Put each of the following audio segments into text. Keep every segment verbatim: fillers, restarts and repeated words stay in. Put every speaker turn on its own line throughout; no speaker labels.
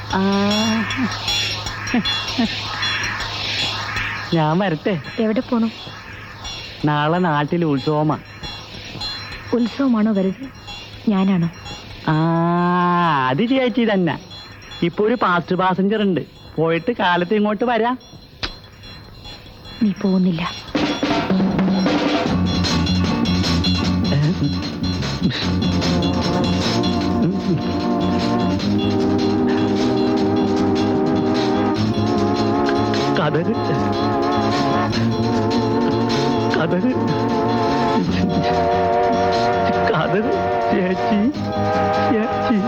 ഞാൻ വരട്ടെ.
എവിടെ പോണു?
നാളെ നാട്ടിൽ ഉത്സവമാ.
ഉത്സവമാണോ വരുത്? ഞാനാണോ?
ആ അത് ചേച്ചി തന്നെ. ഇപ്പൊ ഒരു പാസ്റ്റ് പാസഞ്ചർ ഉണ്ട്, പോയിട്ട് കാലത്ത് ഇങ്ങോട്ട് വരാം.
നീ പോകുന്നില്ല.
കഥക് കഥക് കഥക് ചേച്ചി ചേച്ചി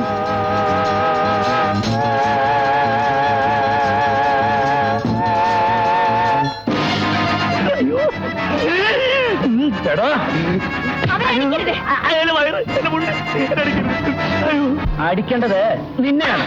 അടിക്കേണ്ടത് നിന്നെയാണ്.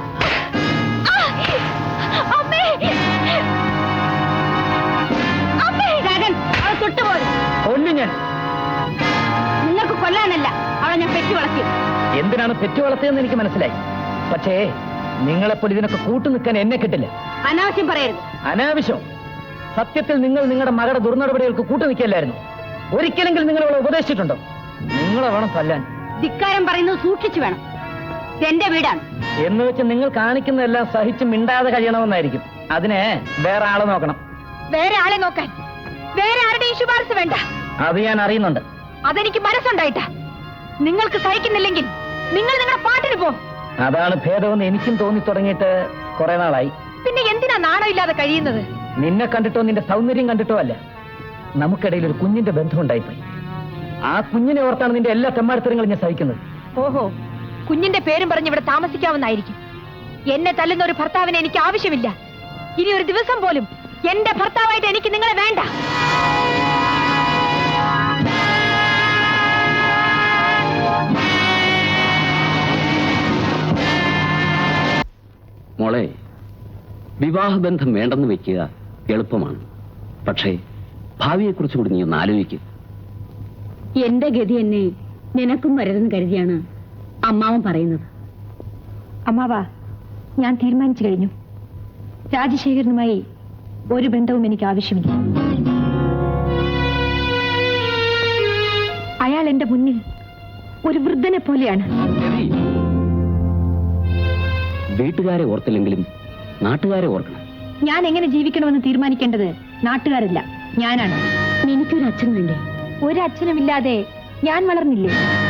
കൊല്ലു ഞാൻ.
നിങ്ങൾക്ക് കൊല്ലാനല്ല അവളെ ഞാൻ പെറ്റി വളർത്തി.
എന്തിനാണ് പെറ്റി വളർത്തിയെന്ന് എനിക്ക് മനസ്സിലായി. പക്ഷേ നിങ്ങളെപ്പോൾ ഇതിനൊക്കെ കൂട്ടു നിൽക്കാൻ എന്നെ കിട്ടില്ല.
അനാവശ്യം പറയരുത്.
അനാവശ്യം? സത്യത്തിൽ നിങ്ങൾ നിങ്ങളുടെ മകളുടെ ദുർനടപടികൾക്ക് കൂട്ടു നിൽക്കില്ലായിരുന്നു. ഒരിക്കലെങ്കിലും നിങ്ങൾ അവളെ ഉപദേശിച്ചിട്ടുണ്ടോ? നിങ്ങളെ വേണം തല്ലാൻ.
ധിക്കാരം പറയുന്നത് സൂക്ഷിച്ചു വേണം. എന്റെ വീടാണ്
എന്ന് വെച്ച് നിങ്ങൾ കാണിക്കുന്നതെല്ലാം സഹിച്ച് മിണ്ടാതെ കഴിയണമെന്നായിരിക്കും. അതിനെ വേറെ ആളെ നോക്കണം.
വേറെ ആളെ നോക്കാൻ വേറെ ആരുടെയും ശുപാർശ വേണ്ട.
അത് ഞാൻ അറിയുന്നുണ്ട്.
അതെനിക്ക് മനസ്സുണ്ടായിട്ടാ. നിങ്ങൾക്ക് സഹിക്കുന്നില്ലെങ്കിൽ നിങ്ങൾ നിങ്ങളുടെ പാട്ടിന് പോ.
അതാണ് ഭേദമെന്ന് എനിക്കും തോന്നി തുടങ്ങിയിട്ട് കുറെ നാളായി.
പിന്നെ എന്തിനാ നാണം ഇല്ലാതെ കഴിയുന്നത്?
നിന്നെ കണ്ടിട്ടോ നിന്റെ സൗന്ദര്യം കണ്ടിട്ടോ അല്ല, നമുക്കിടയിൽ ഒരു കുഞ്ഞിന്റെ ബന്ധമുണ്ടായിപ്പോയി. ആ കുഞ്ഞിനെ ഓർത്താണ് നിന്റെ എല്ലാ തെമ്മാടിത്തരങ്ങളും ഞാൻ സഹിക്കുന്നത്.
ഓഹോ, കുഞ്ഞിന്റെ പേരും പറഞ്ഞ് ഇവിടെ താമസിക്കാവുന്നായിരിക്കും. എന്നെ തല്ലുന്ന ഒരു ഭർത്താവിനെ എനിക്ക് ആവശ്യമില്ല. ഇനി ഒരു ദിവസം പോലും എന്റെ ഭർത്താവായിട്ട് എനിക്ക് നിങ്ങളെ വേണ്ട.
മോളെ, വിവാഹബന്ധം വേണ്ടെന്ന് വെക്കുക എളുപ്പമാണ്. പക്ഷേ ഭാവിയെക്കുറിച്ച് കൂടി നീ ഒന്ന് ആലോചിക്കുക.
എന്റെ ഗതി എന്നെ നിനക്കും വരരുതെന്ന് കരുതിയാണ് അമ്മാവൻ പറയുന്നത്. അമ്മാവാ, ഞാൻ തീരുമാനിച്ചു കഴിഞ്ഞു. രാജശേഖരനുമായി ഒരു ബന്ധവും എനിക്ക് ആവശ്യമില്ല. അയാൾ എന്റെ മുന്നിൽ ഒരു വൃദ്ധനെ പോലെയാണ്.
വീട്ടുകാരെ ഓർത്തില്ലെങ്കിലും നാട്ടുകാരെ ഓർക്കണം.
ഞാൻ എങ്ങനെ ജീവിക്കണമെന്ന് തീരുമാനിക്കേണ്ടത് നാട്ടുകാരല്ല, ഞാനാണ്. എനിക്കൊരു അച്ഛൻ വേണ്ടേ? ഒരു അച്ഛനുമില്ലാതെ ഞാൻ വളർന്നില്ലേ?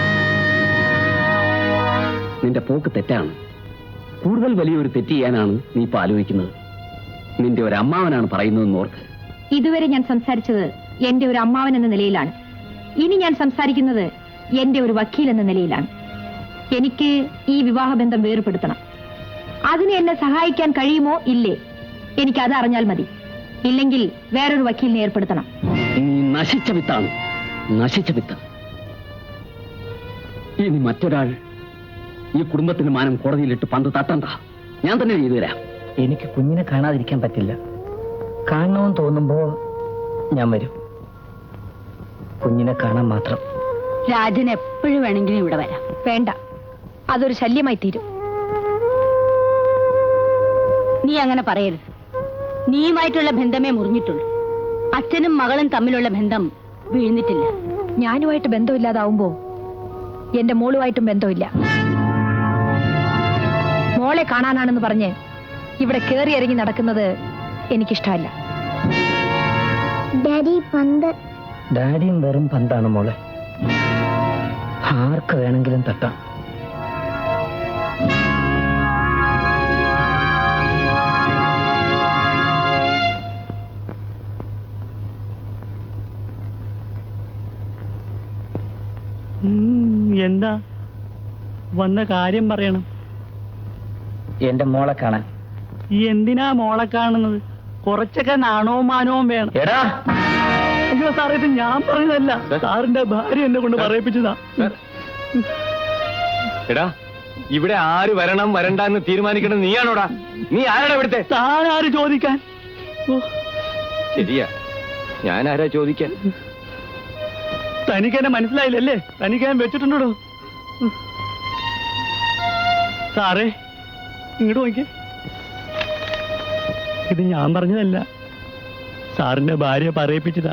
നിന്റെ പോക്ക് തെറ്റാണ്. കൂടുതൽ വലിയൊരു തെറ്റ് ചെയ്യാനാണ് നീ ഇപ്പൊ ആലോചിക്കുന്നത്. നിന്റെ ഒരു അമ്മാവനാണ് പറയുന്നതെന്ന് ഓർക്ക്.
ഇതുവരെ ഞാൻ സംസാരിച്ചത് എന്റെ ഒരു അമ്മാവൻ എന്ന നിലയിലാണ്. ഇനി ഞാൻ സംസാരിക്കുന്നത് എന്റെ ഒരു വക്കീൽ എന്ന നിലയിലാണ്. എനിക്ക് ഈ വിവാഹബന്ധം വേർപെടുത്തണം. അതിന് എന്നെ സഹായിക്കാൻ കഴിയുമോ ഇല്ലേ, എനിക്കത് അറിഞ്ഞാൽ മതി. ഇല്ലെങ്കിൽ വേറൊരു വക്കീലിനെ ഏർപ്പെടുത്തണം.
നീ നശിച്ച വിത്താണ്, നശിച്ച വിത്ത്. ഇനി മറ്റൊരാൾ ഈ കുടുംബത്തിന്റെ മാനം കോടതിയിലിട്ട് പന്ത് തട്ടണ്ട. ഞാൻ തന്നെ ചെയ്തു തരാം.
എനിക്ക് കുഞ്ഞിനെ കാണാതിരിക്കാൻ പറ്റില്ല. കാണണമെന്ന് തോന്നുമ്പോ ഞാൻ വരും. കുഞ്ഞിനെ കാണാൻ മാത്രം.
രാജൻ എപ്പോഴും വേണമെങ്കിലും ഇവിടെ വരാം. വേണ്ട, അതൊരു ശല്യമായി തീരും. നീ അങ്ങനെ പറയരുത്. നീയുമായിട്ടുള്ള ബന്ധമേ മുറിഞ്ഞിട്ടുള്ളൂ. അച്ഛനും മകളും തമ്മിലുള്ള ബന്ധം വീഴ്ന്നിട്ടില്ല. ഞാനുമായിട്ട് ബന്ധമില്ലാതാവുമ്പോ എന്റെ മോളുമായിട്ടും ബന്ധമില്ല. മോളെ കാണാനാണെന്ന് പറഞ്ഞ് ഇവിടെ കേറി ഇറങ്ങി നടക്കുന്നത് എനിക്കിഷ്ടമല്ല.
ഡാഡി പന്ത്.
ഡാഡിയും വെറും പന്താണ് മോളെ. ആർക്ക് വേണമെങ്കിലും തട്ടാം.
എന്താ വന്ന കാര്യം പറയണം.
എന്റെ മോളെ കാണാൻ.
എന്തിനാ മോളെ കാണുന്നത്? കുറച്ചൊക്കെ നാണവും മാനവും വേണം.
എടാ,
അയ്യോ സാറേ, ഇത് ഞാൻ പറഞ്ഞതല്ല, സാറിന്റെ ഭാര്യ എന്നെ കൊണ്ട് പറയിപ്പിച്ചതാ.
എടാ, ഇവിടെ ആര് വരണം വരണ്ട എന്ന് തീരുമാനിക്കണം നീയാണോടാ? നീ ആരാടാ ഇവിടുത്തെ?
താൻ ആര് ചോദിക്കാൻ?
ശരിയാ, ഞാൻ ആരാ ചോദിക്കാൻ?
തനിക്ക് എന്നെ ഇങ്ങോട്ട് നോക്കിയേ. ഇത് ഞാൻ പറഞ്ഞതല്ല, സാറിന്റെ ഭാര്യ പറയിപ്പിച്ചതാ.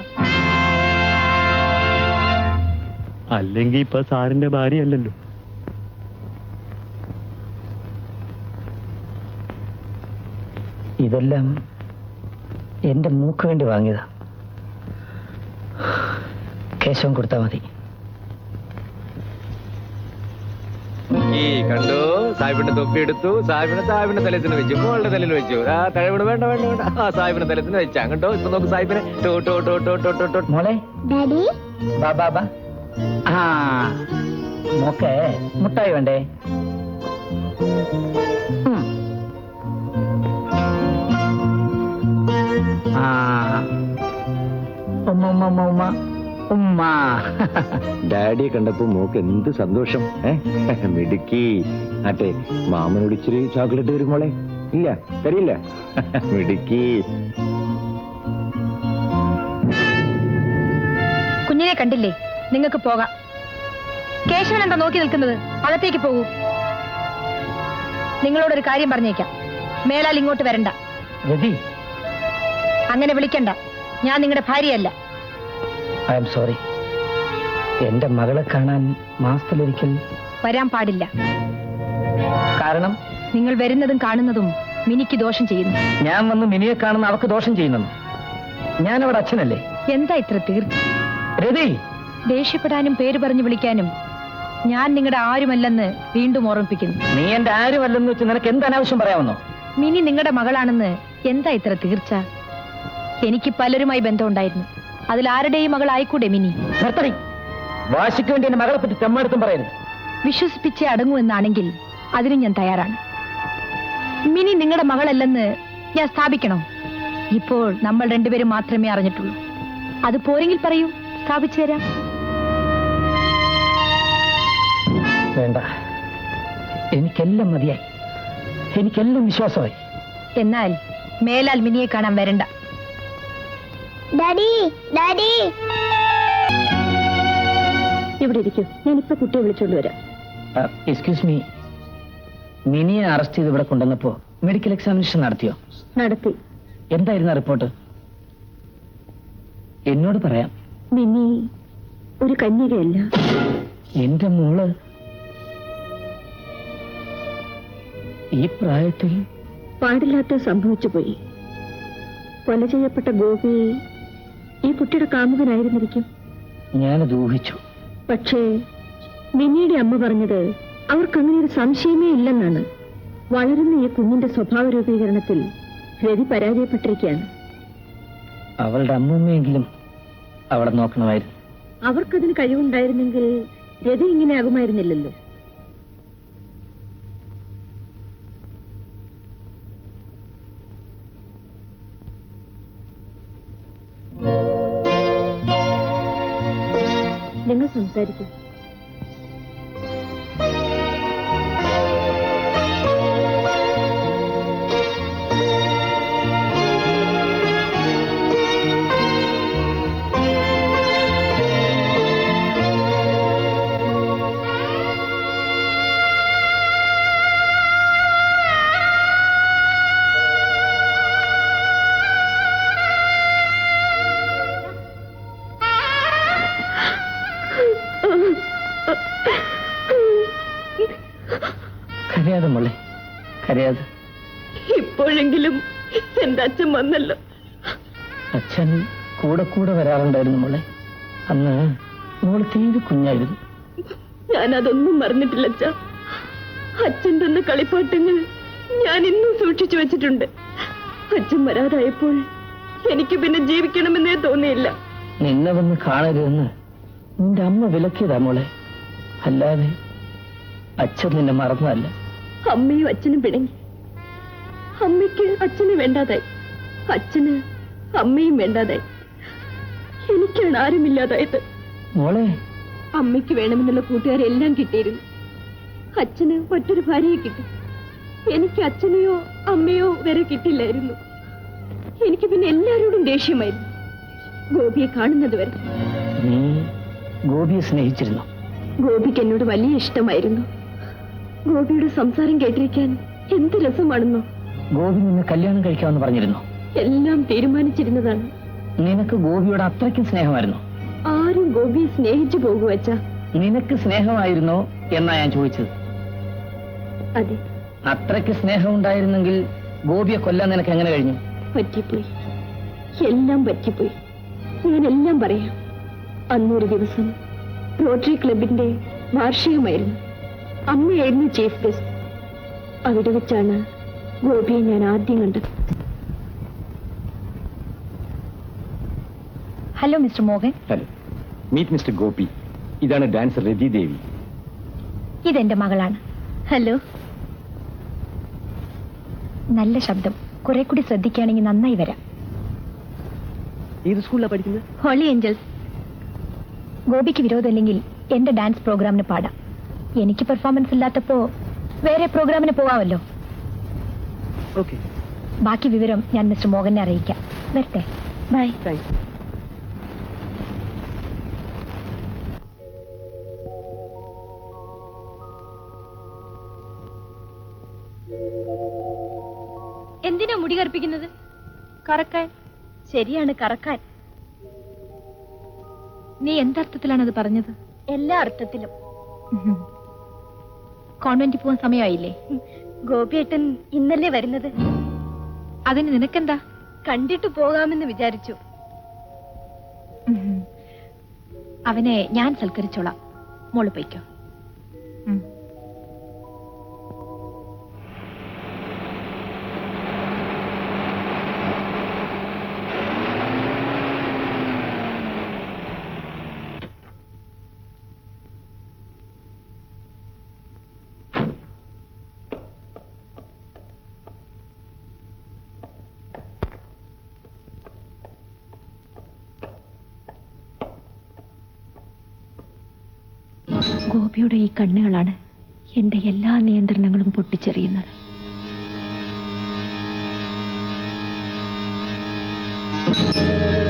അല്ലെങ്കിൽ ഇപ്പൊ സാറിന്റെ ഭാര്യ അല്ലല്ലോ.
ഇതെല്ലാം എന്റെ മൂക്ക് വേണ്ടി വാങ്ങിയതാ. കേശവൻ കൊടുത്താൽ മതി.
ഈ കണ്ടു, സാഹിബിന്റെ തൊപ്പി എടുത്തു, സാഹിബിനെ സാഹിബിന്റെ തലത്തിന് വെച്ചു, മോളുടെ തലയിൽ വെച്ചു. ആ തഴവിട് വേണ്ട വേണ്ട വേണ്ട, ആ സാഹിബിന്റെ തലത്തിന് വെച്ചാ കണ്ടോ. ഇപ്പൊ നോക്ക് സാഹിബിനെ. ടോ ടോ ടോ ടോ ടോ ടോ ടോ.
മോളെ ബാ ബാ ബാ. ആ മോക്കെ മുട്ടായി വേണ്ടേ? ഉം. ആ ഉമ്മ ഉമ്മ ഉമ്മ ഉമ്മ ഉമ്മ.
ഡാഡിയെ കണ്ടപ്പോ മോക്ക് എന്ത് സന്തോഷം. ഏഹ് മിടുക്കി. ആട്ടെ, മാമനോട് ഇച്ചിരി ചോക്ലേറ്റ് വരും മോളെ. ഇല്ല, തരില്ല. മിടുക്കി.
കുഞ്ഞിനെ കണ്ടില്ലേ? നിങ്ങൾക്ക് പോകാം. കേശവൻ എന്താ നോക്കി നിൽക്കുന്നത്? അകത്തേക്ക് പോകൂ. നിങ്ങളോടൊരു കാര്യം പറഞ്ഞേക്കാം, മേലാൽ ഇങ്ങോട്ട് വരണ്ട.
രതി,
അങ്ങനെ വിളിക്കണ്ട. ഞാൻ നിങ്ങളുടെ ഭാര്യയല്ല.
I am sorry. എന്റെ മകളെ കാണാൻ മാസത്തിലൊരിക്കൽ
വരാൻ പാടില്ല.
കാരണം
നിങ്ങൾ വരുന്നതും കാണുന്നതും മിനിക്ക് ദോഷം ചെയ്യുന്നു.
ഞാൻ വന്ന് മിനിയെ കാണുന്ന അവക്ക് ദോഷം ചെയ്യുന്നു. ഞാൻ അവിടെ അച്ഛനല്ലേ?
എന്താ ഇത്ര തീർച്ച?
രതി,
ദേഷ്യപ്പെടാനും പേര് പറഞ്ഞു വിളിക്കാനും ഞാൻ നിങ്ങളുടെ ആരുമല്ലെന്ന് വീണ്ടും ഓർമ്മിപ്പിക്കുന്നു.
നീ എന്റെ ആരുമല്ലെന്ന് വെച്ച് നിനക്ക് എന്ത് അനാവശ്യം പറയാമെന്നോ?
മിനി നിങ്ങളുടെ മകളാണെന്ന് എന്താ ഇത്ര തീർച്ച? എനിക്ക് പലരുമായി ബന്ധമുണ്ടായിരുന്നു. അതിൽ ആരുടെയും മകളായിക്കൂടെ മിനി?
നിർത്തടി. വാശിക്ക് വേണ്ടി എന്റെ മകളെ പറ്റി തെമ്മാടുത്തും പറയരുത്.
വിശ്വസിപ്പിച്ചേ അടങ്ങൂ എന്നാണെങ്കിൽ അതിന് ഞാൻ തയ്യാറാണ്. മിനി നിങ്ങളുടെ മകളല്ലെന്ന് ഞാൻ സ്ഥാപിക്കണോ? ഇപ്പോൾ നമ്മൾ രണ്ടുപേരും മാത്രമേ അറിഞ്ഞിട്ടുള്ളൂ. അത് പോരെങ്കിൽ പറയൂ, സ്ഥാപിച്ചു തരാം.
വേണ്ട, എനിക്കെല്ലാം മതിയായി. എനിക്കെല്ലാം വിശ്വാസമായി.
എന്നാൽ മേലാൽ മിനിയെ കാണാൻ വരണ്ട.
ഡാഡി ഡാഡി
ഇവിടെ ഇരിക്കൂ, ഞാനിപ്പോ കുട്ടിയെ വിളിച്ചോണ്ട് വരാം.
എക്സ്ക്യൂസ് മീ, മിനിയെ അറസ്റ്റ് ചെയ്ത് ഇവിടെ കൊണ്ടുവന്നപ്പോ മെഡിക്കൽ എക്സാമിനേഷൻ നടത്തിയോ?
നടത്തി.
എന്തായിരുന്നു റിപ്പോർട്ട്? എന്നോട് പറയാം.
മിനി ഒരു കന്യകയല്ല.
എന്റെ മോള് ഈ പ്രായത്തിൽ
പാടില്ലാത്ത സംഭവിച്ചു പോയി. കൊല ചെയ്യപ്പെട്ട ഗോപി ഈ കുട്ടിയുടെ കാമുകനായിരുന്നിരിക്കും.
ഞാനത് ഊഹിച്ചു.
പക്ഷേ മിനിയുടെ അമ്മ പറഞ്ഞത് അവർക്കങ്ങനെ ഒരു സംശയമേ ഇല്ലെന്നാണ്. വളരുന്ന ഈ കുഞ്ഞിന്റെ സ്വഭാവ രൂപീകരണത്തിൽ രവി പരാജയപ്പെട്ടിരിക്കുകയാണ്.
അവളുടെ അമ്മൂമ്മയെങ്കിലും അവളെ നോക്കണമായിരുന്നു.
അവർക്കതിന് കഴിവുണ്ടായിരുന്നെങ്കിൽ രവി ഇങ്ങനെ ആകുമായിരുന്നില്ലല്ലോ. നിങ്ങൾ സംസാരിക്കും.
കരയാതെ മോളെ, കരയാതെ.
ഇപ്പോഴെങ്കിലും എന്റെ അച്ഛൻ വന്നല്ലോ.
അച്ഛൻ കൂടെ കൂടെ വരാറുണ്ടായിരുന്നു മോളെ. അന്ന് മോള് തീരെ കുഞ്ഞായിരുന്നു.
ഞാനതൊന്നും മറന്നിട്ടില്ല അച്ഛാ. അച്ഛൻ തന്ന കളിപ്പാട്ടങ്ങൾ ഞാൻ ഇന്നും സൂക്ഷിച്ചു വെച്ചിട്ടുണ്ട്. അച്ഛൻ വരാതായപ്പോൾ എനിക്ക് പിന്നെ ജീവിക്കണമെന്നേ തോന്നിയില്ല.
നിന്നെ വന്ന് കാണരുതെന്ന് നിന്റെ അമ്മ വിലക്കിയതാ മോളെ, അല്ലാതെ അച്ഛൻ നിന്നെ മറന്നതല്ല.
അമ്മയും അച്ഛനും പിണങ്ങി. അമ്മയ്ക്ക് അച്ഛന് വേണ്ടാതായി, അച്ഛന് അമ്മയും വേണ്ടാതായി. എനിക്കാണ് ആരുമില്ലാതായത്.
മോളെ,
അമ്മയ്ക്ക് വേണമെന്നുള്ള കൂട്ടുകാരെല്ലാം കിട്ടിയിരുന്നു. അച്ഛന് മറ്റൊരു ഭാര്യയെ കിട്ടി. എനിക്ക് അച്ഛനെയോ അമ്മയോ വരെ കിട്ടില്ലായിരുന്നു. എനിക്ക് പിന്നെ എല്ലാവരോടും ദേഷ്യമായിരുന്നു, ഗോപിയെ കാണുന്നത് വരെ.
നീ ഗോപിയെ സ്നേഹിച്ചിരുന്നു?
ഗോപിക്ക് എന്നോട് വലിയ ഇഷ്ടമായിരുന്നു. ഗോപിയുടെ സംസാരം കേട്ടിരിക്കാൻ എന്ത് രസമാണെന്നോ.
ഗോപി നിന്നെ കല്യാണം കഴിക്കാമെന്ന് പറഞ്ഞിരുന്നു.
എല്ലാം തീരുമാനിച്ചിരുന്നതാണ്.
നിനക്ക് ഗോപിയോട് അത്രയ്ക്കും സ്നേഹമായിരുന്നു?
ആരും ഗോപിയെ സ്നേഹിച്ചു പോകു അച്ഛാ.
നിനക്ക് സ്നേഹമായിരുന്നോ എന്നാ ഞാൻ ചോദിച്ചത്.
അതെ.
അത്രയ്ക്ക് സ്നേഹം ഉണ്ടായിരുന്നെങ്കിൽ ഗോപിയെ കൊല്ലാൻ നിനക്ക് എങ്ങനെ കഴിഞ്ഞു?
പറ്റിപ്പോയി, എല്ലാം പറ്റിപ്പോയി. ഞാൻ എല്ലാം പറയാം. അന്നൊരു ദിവസം റോട്ടറി ക്ലബിന്റെ വാർഷികമായിരുന്നു. അമ്മയായിരുന്നു ചീഫ് ഗസ്റ്റ്. അവിടെ വെച്ചാണ് ഗോപിയെ ഞാൻ ആദ്യം കണ്ടത്. Hello mister Mohan.
Hello, meet mister Gopi. ഇതാണ് ഡാൻസർ രതി ദേവി.
ഇതെന്റെ മകളാണ്. ഹലോ. നല്ല ശബ്ദം, കുറെ കൂടി ശ്രദ്ധിക്കുകയാണെങ്കിൽ നന്നായി വരാം.
ഏത് സ്കൂളിലാണ് പഠിക്കുന്നത്?
Holy angels. ഗോപിക്ക് വിരോധമില്ലെങ്കിൽ എന്റെ ഡാൻസ് പ്രോഗ്രാമിന് പാടാം. എനിക്ക് പെർഫോമൻസ് ഇല്ലാത്തപ്പോ വേറെ പ്രോഗ്രാമിന് പോവാമല്ലോ.
ഓക്കെ,
ബാക്കി വിവരം ഞാൻ മിസ്റ്റർ മോഹനെ അറിയിക്കാം. വരട്ടെ, ബൈ.
താങ്ക്സ്.
എന്തിനാ മുടി കറുപ്പിക്കുന്നത്? കറക്കാൻ. ശരിയാണ്, കറക്കാൻ. നീ എന്തർത്ഥത്തിലാണ് അത് പറഞ്ഞത്? എല്ലാ അർത്ഥത്തിലും. കോൺവെന്റിൽ പോകാൻ സമയമായില്ലേ? ഗോപിയേട്ടൻ ഇന്നല്ലേ വരുന്നത്. അതിന് നിനക്കെന്താ? കണ്ടിട്ട് പോകാമെന്ന് വിചാരിച്ചു. അവനെ ഞാൻ സൽക്കരിച്ചോളാം. മോള് പോയിക്കോ. ഗോപിയുടെ ഈ കണ്ണുകളാണ് എന്റെ എല്ലാ നിയന്ത്രണങ്ങളും പൊട്ടിച്ചെറിയുന്നത്.
Thank you.